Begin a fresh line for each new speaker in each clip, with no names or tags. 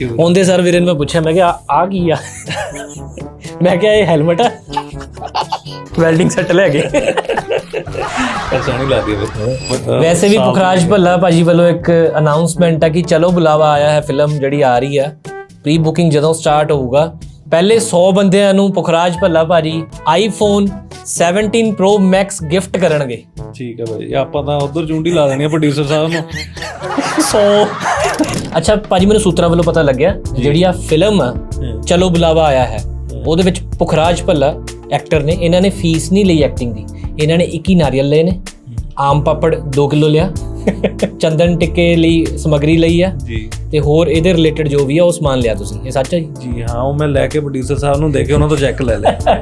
ਆਉਂਦੇ ਸਰ ਵੀਰੇ ਨੂੰ ਮੈਂ ਪੁੱਛਿਆ, ਮੈਂ ਕਿਹਾ ਆ ਕੀ ਆ? ਮੈਂ ਕਿਹਾ ਇਹ ਹੈਲਮਟ ਆ, ਵੈਲਡਿੰਗ ਸੈੱਟ ਲੈ ਗਏ।
ਸੋਹਣੀ ਲੱਗਦੀ ਹੈ।
ਵੈਸੇ ਵੀ ਪੁਖਰਾਜ ਭੱਲਾ ਭਾਜੀ ਵੱਲੋਂ ਇੱਕ ਅਨਾਉਂਸਮੈਂਟ ਹੈ ਕਿ ਚਲੋ ਬੁਲਾਵਾ ਆਇਆ ਹੈ ਫਿਲਮ ਜਿਹੜੀ ਆ ਰਹੀ ਆ। ਪ੍ਰੀ ਬੁਕਿੰਗ ਜਦੋਂ ਸਟਾਰਟ ਹੋਊਗਾ, ਪਹਿਲੇ 100 ਬੰਦਿਆਂ ਨੂੰ ਪੁਖਰਾਜ ਭੱਲਾ ਭਾਜੀ ਆਈਫੋਨ 17 Pro Max ਗਿਫਟ ਕਰਨਗੇ।
ਠੀਕ ਹੈ ਭਾਜੀ, ਆਪਾਂ ਤਾਂ ਉਧਰ ਚੁੰਡੀ ਲਾ ਦੇਣੀ ਆ ਪ੍ਰੋਡਿਊਸਰ ਸਾਹਿਬ ਨੂੰ।
100 ਅੱਛਾ ਭਾਜੀ, ਮੈਨੂੰ ਸੂਤਰਾਂ ਵੱਲੋਂ ਪਤਾ ਲੱਗਿਆ ਜਿਹੜੀ ਆ ਫਿਲਮ ਆ ਚਲੋ ਬੁਲਾਵਾ ਆਇਆ ਹੈ, ਉਹਦੇ ਵਿੱਚ ਪੁਖਰਾਜ ਭੱਲਾ ਐਕਟਰ ਨੇ, ਇਹਨਾਂ ਨੇ ਫੀਸ ਨਹੀਂ ਲਈ ਐਕਟਿੰਗ ਦੀ। ਇਹਨਾਂ ਨੇ 21 ਨਾਰੀਅਲ ਲਏ ਨੇ, ਆਮ ਪਾਪੜ 2 ਕਿਲੋ ਲਿਆ, ਚੰਦਨ ਟਿੱਕੇ ਲਈ ਸਮੱਗਰੀ ਲਈ ਆ
ਜੀ, ਤੇ
ਹੋਰ ਇਹਦੇ ਰਿਲੇਟਡ ਜੋ ਵੀ ਆ ਉਹ ਸਮਾਨ ਲਿਆ ਤੁਸੀਂ। ਇਹ ਸੱਚ ਹੈ ਜੀ?
ਜੀ ਹਾਂ, ਉਹ ਮੈਂ ਲੈ ਕੇ ਪ੍ਰੋਡਿਊਸਰ ਸਾਹਿਬ ਨੂੰ ਦੇ ਕੇ ਉਹਨਾਂ ਤੋਂ ਚੈੱਕ ਲੈ ਲਿਆ।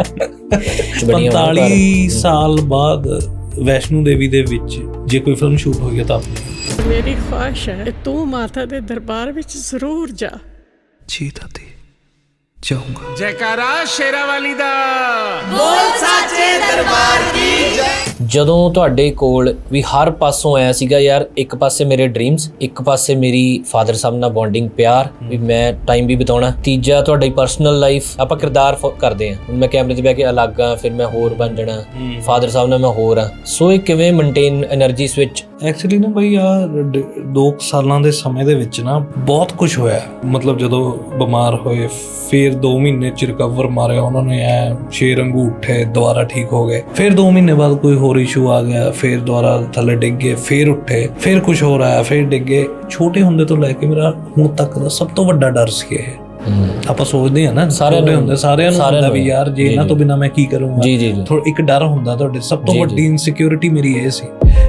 45 ਸਾਲ ਬਾਅਦ ਵੈਸ਼ਨੂ ਦੇਵੀ ਦੇ ਵਿੱਚ ਜੇ ਕੋਈ ਫਿਲਮ ਸ਼ੂਟ ਹੋਈ ਹੈ ਤਾਂ ਆਪਣੀ
ਮੇਰੀ ਖੁਆਇਸ਼ ਹੈ ਤੂੰ ਮਾਤਾ ਦੇ ਦਰਬਾਰ ਵਿੱਚ ਜ਼ਰੂਰ ਜਾ।
ਜੀ ਦਾਦੀ, ਜਾਊਂਗਾ।
ਜੈਕਾਰਾ ਸ਼ੇਰਾ ਵਾਲੀ ਦਾ
ਬੋਲ ਸਾਚੇ ਦਰਬਾਰ ਦੀ ਜੈ।
ਜਦੋਂ ਤੁਹਾਡੇ ਕੋਲ ਵੀ ਹਰ ਪਾਸੋਂ ਆਇਆ ਸੀਗਾ ਯਾਰ, ਇੱਕ ਪਾਸੇ ਮੇਰੇ ਡ੍ਰੀਮਸ, ਇੱਕ ਪਾਸੇ ਮੇਰੀ ਫਾਦਰ ਸਾਹਿਬ ਨਾਲ ਬੌਂਡਿੰਗ, ਪਿਆਰ ਵੀ ਮੈਂ ਟਾਈਮ ਵੀ ਬਿਤਾਉਣਾ, ਤੀਜਾ ਤੁਹਾਡੀ ਪਰਸਨਲ ਲਾਈਫ, ਆਪਾਂ ਕਿਰਦਾਰ ਕਰਦੇ ਹਾਂ। ਹੁਣ ਮੈਂ ਕੈਮਰੇ ਤੇ ਬਹਿ ਕੇ ਅਲੱਗ ਆ, ਫਿਰ ਮੈਂ ਹੋਰ ਬਣ ਜਾਣਾ, ਫਾਦਰ ਸਾਹਿਬ ਨਾਲ ਮੈਂ ਹੋਰ ਆ। ਸੋ ਇਹ ਕਿਵੇਂ ਮੇਨਟੇਨ એનર્ਜੀ ਸਵਿਚ?
ਐਕਚੁਅਲੀ ਨਾ ਬਈ ਆ 2 ਸਾਲਾਂ ਦੇ ਸਮੇਂ ਦੇ ਵਿੱਚ ਨਾ ਬਹੁਤ ਕੁਝ ਹੋਇਆ। ਮਤਲਬ ਜਦੋਂ ਬਿਮਾਰ ਹੋਏ, ਫਿਰ 2 ਮਹੀਨੇ ਚ ਰਿਕਵਰ ਮਾਰਿਆ ਉਹਨਾਂ ਨੇ, ਐ ਸ਼ੇਰ ਵਾਂਗੂ ਉੱਠੇ, ਦੁਬਾਰਾ ਠੀਕ ਹੋ ਗਏ। ਫਿਰ 2 ਮਹੀਨੇ ਬਾਅਦ ਕੋਈ ਹੋਰ ਇਸ਼ੂ ਆ ਗਿਆ, ਫਿਰ ਦੁਬਾਰਾ ਥੱਲੇ ਡਿੱਗ ਗਏ, ਫਿਰ ਉੱਠੇ, ਫਿਰ ਕੁਝ ਹੋਰ ਆਇਆ, ਫਿਰ ਡਿੱਗੇ। ਛੋਟੇ ਹੁੰਦੇ ਤੋਂ ਲੈ ਕੇ ਮੇਰਾ ਹੁਣ ਤੱਕ ਦਾ ਸਭ ਤੋਂ ਵੱਡਾ ਡਰ ਸੀ ਇਹ। ਆਪਾਂ ਸੋਚਦੇ ਆ ਨਾ ਸਾਰਿਆਂ ਨੂੰ ਹੁੰਦਾ ਵੀ ਯਾਰ ਜੇ ਇਹਨਾਂ ਤੋਂ ਬਿਨਾਂ ਮੈਂ ਕੀ ਕਰੂੰਗਾ।
ਜੀ ਜੀ,
ਇੱਕ ਡਰ ਹੁੰਦਾ ਤੁਹਾਡੇ। ਸਭ ਤੋਂ ਵੱਡੀ ਇਨਸਿਕਿਉਰਿਟੀ ਮੇਰੀ ਇਹ ਸੀ